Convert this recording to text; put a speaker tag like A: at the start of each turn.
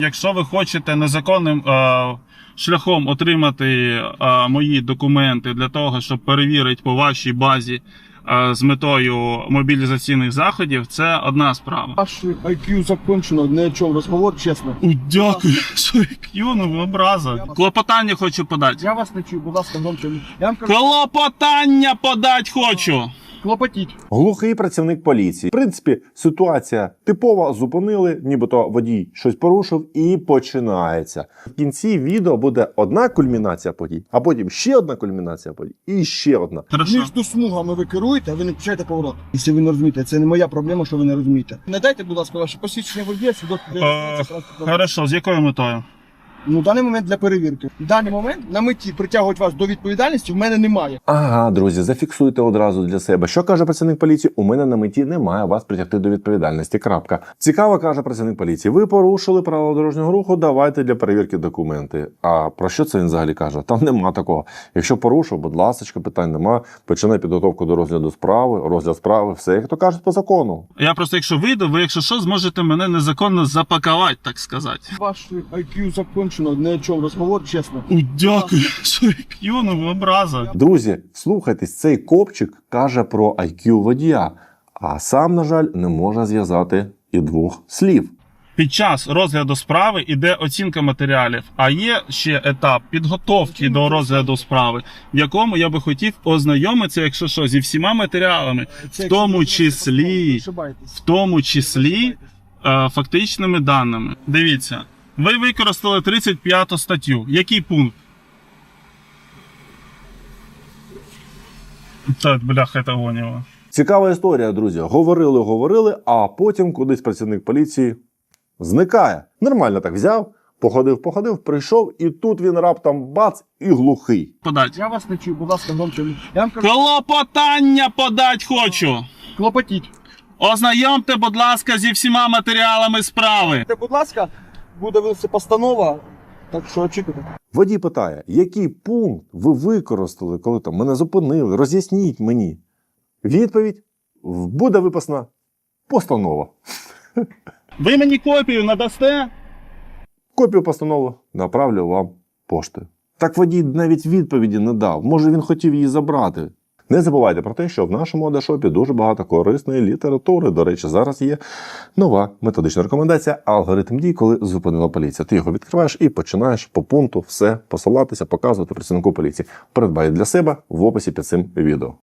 A: Якщо ви хочете незаконним шляхом отримати мої документи для того, щоб перевірити по вашій базі з метою мобілізаційних заходів, це одна справа.
B: Ваш IQ закончено, не о чому розговор, чесно.
A: Дякую, що IQ, ну образа. Клопотання хочу подати.
B: Я вас не чую, будь ласка, громче. Я вам кажу,
A: Клопотання подати хочу.
B: клопотіть.
C: Глухий працівник поліції. В принципі, ситуація типова, зупинили, нібито водій щось порушив і починається. В кінці відео буде одна кульмінація подій, а потім ще одна кульмінація подій і ще одна.
A: Хорошо.
B: Між смугами ви керуєте, а ви не включаєте поворот. Якщо ви не розумієте, це не моя проблема, що ви не розумієте. Надайте, будь ласка, ваше посвідчення водія, свідоцтво для реєстрації транспортного.
A: Хорошо, з якою метою?
B: Ну, в даний момент для перевірки. В даний момент на меті притягувати вас до відповідальності в мене немає.
C: Ага, друзі, зафіксуйте одразу для себе. Що каже працівник поліції? У мене на меті немає вас притягти до відповідальності. Крапка. Цікаво, каже працівник поліції. Ви порушили правила дорожнього руху, давайте для перевірки документи. А про що це він взагалі каже? Там нема такого. Якщо порушив, будь ласка, питань нема. Починай підготовку до розгляду справи, розгляд справи, все, як то кажуть, по закону.
A: Я просто, якщо вийду, ви, якщо що, зможете мене незаконно запакувати, так сказати.
B: Ваш IQ закончено, не о чому розговор, чесно.
A: Дякую, що IQ, ну образа.
C: Друзі, слухайтесь, цей копчик каже про IQ водія, а сам, на жаль, не може зв'язати і двох слів.
A: Під час розгляду справи іде оцінка матеріалів, а є ще етап підготовки до розгляду справи, в якому я би хотів ознайомитися, якщо що, зі всіма матеріалами, в тому числі фактичними даними. Дивіться, ви використали 35 статтю. Який пункт? Так, бляха, це гоніло.
C: Цікава історія, друзі. Говорили, а потім кудись працівник поліції зникає. Нормально так взяв, походив, прийшов, і тут він раптом бац і глухий.
A: Подать.
B: Я вас не чую, будь ласка, громче. Я вам кажу,
A: Клопотання подать хочу.
B: клопотіть.
A: Ознайомте, будь ласка, зі всіма матеріалами справи.
B: Будь ласка, буде винесена постанова, так що очікуйте.
C: Водій питає, який пункт ви використали, коли там мене зупинили, роз'ясніть мені. Відповідь: буде виписана постанова.
A: Ви мені копію надасте?
C: Копію постанови направлю вам поштою. Так водій навіть відповіді не дав. Може, він хотів її забрати. Не забувайте про те, що в нашому Одешопі дуже багато корисної літератури. До речі, зараз є нова методична рекомендація «Алгоритм дій, коли зупинила поліція». Ти його відкриваєш і починаєш по пункту все посилатися, показувати працівнику поліції. Придбай для себе в описі під цим відео.